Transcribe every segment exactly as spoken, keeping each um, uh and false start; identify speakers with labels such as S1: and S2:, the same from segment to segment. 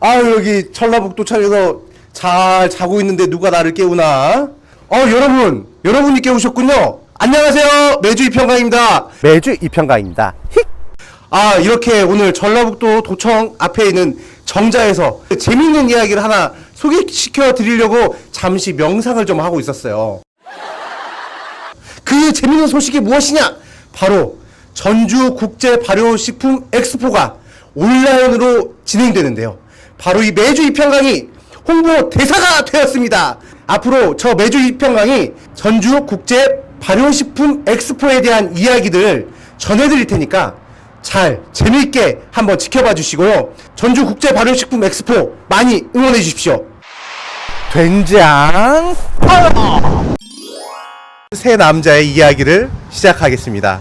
S1: 아, 여기 전라북도청에서 잘 자고 있는데 누가 나를 깨우나? 어, 여러분, 여러분이 깨우셨군요. 안녕하세요, 매주 이평강입니다. 매주 이평강입니다. 힉. 아, 이렇게 오늘 전라북도 도청 앞에 있는 정자에서 재밌는 이야기를 하나 소개시켜 드리려고 잠시 명상을 좀 하고 있었어요. 그 재밌는 소식이 무엇이냐? 바로 전주 국제 발효식품 엑스포가 온라인으로 진행되는데요. 바로 이 매주 이평강이 홍보 대사가 되었습니다. 앞으로 저 매주 이평강이 전주 국제 발효식품 엑스포에 대한 이야기들을 전해드릴 테니까 잘 재미있게 한번 지켜봐 주시고요. 전주 국제 발효식품 엑스포 많이 응원해 주십시오. 된장 세 남자의 이야기를 시작하겠습니다.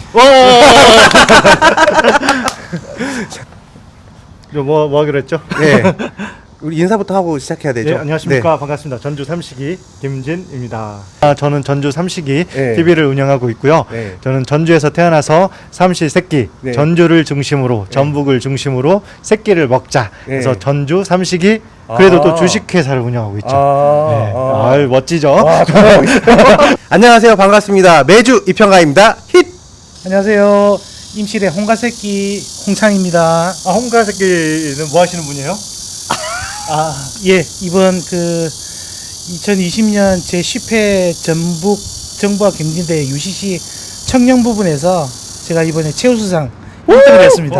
S2: 뭐, 뭐 하기로 했죠?
S1: 네. 우리 인사부터 하고 시작해야 되죠.
S2: 네, 안녕하십니까.
S1: 네.
S2: 반갑습니다. 전주 삼식이 김진입니다. 아, 저는 전주 삼식이
S1: 네.
S2: 티비를 운영하고 있고요.
S1: 네.
S2: 저는 전주에서 태어나서 삼시 새끼,
S1: 네.
S2: 전주를 중심으로, 전북을 중심으로 새끼를 먹자.
S1: 네.
S2: 그래서 전주 삼식이 그래도
S1: 아.
S2: 또 주식회사를 운영하고 있죠.
S1: 아,
S2: 네.
S1: 아.
S2: 아유, 멋지죠?
S1: 와, 안녕하세요. 반갑습니다. 매주 이평가입니다. 힛!
S3: 안녕하세요. 임실의 홍가새끼 홍창입니다.
S2: 아, 홍가 새끼는 뭐 하시는 분이에요?
S3: 아, 예, 이번 그 이천이십 년 제십 회 전북 정부와 경진대 유씨씨 청년 부분에서 제가 이번에 최우수상 일 등을 했습니다.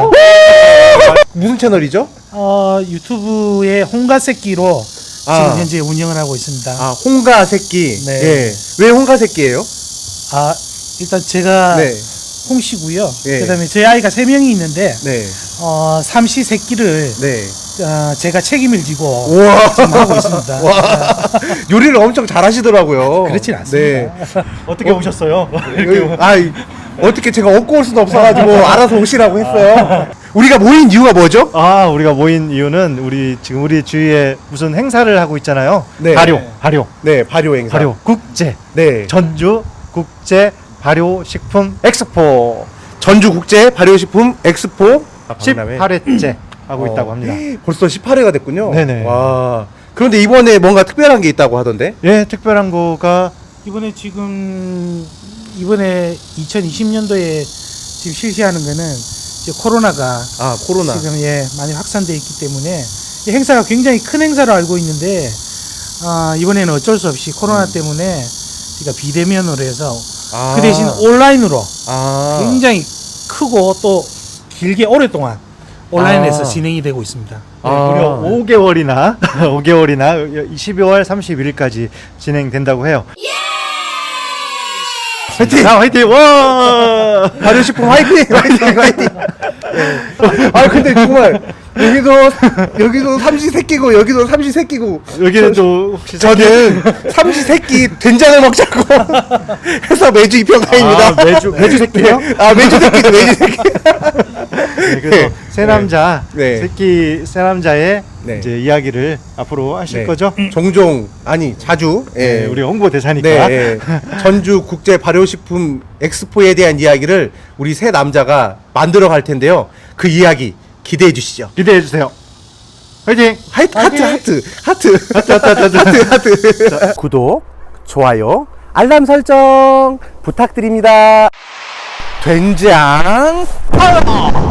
S1: 무슨 채널이죠?
S3: 어, 유튜브에 홍가새끼로
S1: 아.
S3: 지금 현재 운영을 하고 있습니다.
S1: 아, 홍가 새끼.
S3: 네.
S1: 예. 왜 홍가 새끼예요?
S3: 아, 일단 제가
S1: 네.
S3: 홍씨고요.
S1: 예.
S3: 그다음에 저희 아이가 세 명이 있는데
S1: 네.
S3: 어, 삼시 새끼를
S1: 네.
S3: 어, 제가 책임을 지고
S1: 우와.
S3: 지금 하고 있습니다.
S1: 와. 요리를 엄청 잘하시더라고요.
S3: 그렇진 않습니다.
S2: 어떻게 오셨어요?
S1: 여기, 아, 이- 어떻게 제가 업고 올 수는 없어가지고 알아서 오시라고 했어요. 우리가 모인 이유가 뭐죠?
S2: 아, 우리가 모인 이유는 우리 지금 우리 주위에 무슨 행사를 하고 있잖아요.
S1: 네.
S2: 발효, 발효,
S1: 네, 발효 행사.
S2: 발효 국제
S1: 네.
S2: 전주 국제 발효식품 엑스포
S1: 전주 국제 발효식품 엑스포
S2: 십팔 회째 하고
S1: 어,
S2: 있다고 합니다.
S1: 벌써 십팔 회가 됐군요.
S2: 네네.
S1: 와. 그런데 이번에 뭔가 특별한 게 있다고 하던데?
S2: 예, 특별한 거가
S3: 이번에 지금 이번에 이천이십 년도에 지금 실시하는 거는 이제 코로나가
S1: 아, 코로나.
S3: 지금 예 많이 확산돼 있기 때문에 이 행사가 굉장히 큰 행사로 알고 있는데 아, 이번에는 어쩔 수 없이 코로나 때문에 우리가 비대면으로 해서
S1: 아.
S3: 그 대신 온라인으로
S1: 아.
S3: 굉장히 크고 또 길게 오랫동안 온라인에서
S1: 아.
S3: 진행이 되고 있습니다.
S1: 아.
S2: 무려 오 개월이나 오 개월이나 십이월 삼십일일까지 진행된다고 해요.
S1: 화이팅!
S2: 자, 화이팅! 와!
S1: 발효식품 화이팅! 화이팅! 화이팅! 예. 아, 근데 정말 여기도 여기도 삼시 새끼고 여기도 삼시 새끼고
S2: 여기는 또 혹시
S1: 저는 삼시 새끼 된장을 먹자고 해서 매주 이평가입니다.
S2: 아, 매주 매주 새끼요?
S1: 아, 매주 새끼도 매주 새끼.
S2: 네, 그래서
S1: 네.
S2: 새 남자,
S1: 네.
S2: 새끼 새 남자의
S1: 네.
S2: 이제 이야기를 앞으로 하실
S1: 네.
S2: 거죠?
S1: 종종 아니 자주 예.
S2: 네, 우리 홍보 대사니까.
S1: 네, 예. 전주 국제 발효식품 엑스포에 대한 이야기를 우리 세 남자가 만들어 갈 텐데요. 그 이야기 기대해 주시죠.
S2: 기대해 주세요. 화이팅!
S1: 하이트, 하트, 하트, 하트, 하트, 하트, 하트, 하트. 구독, 좋아요, 알람 설정 부탁드립니다. 된장 파워!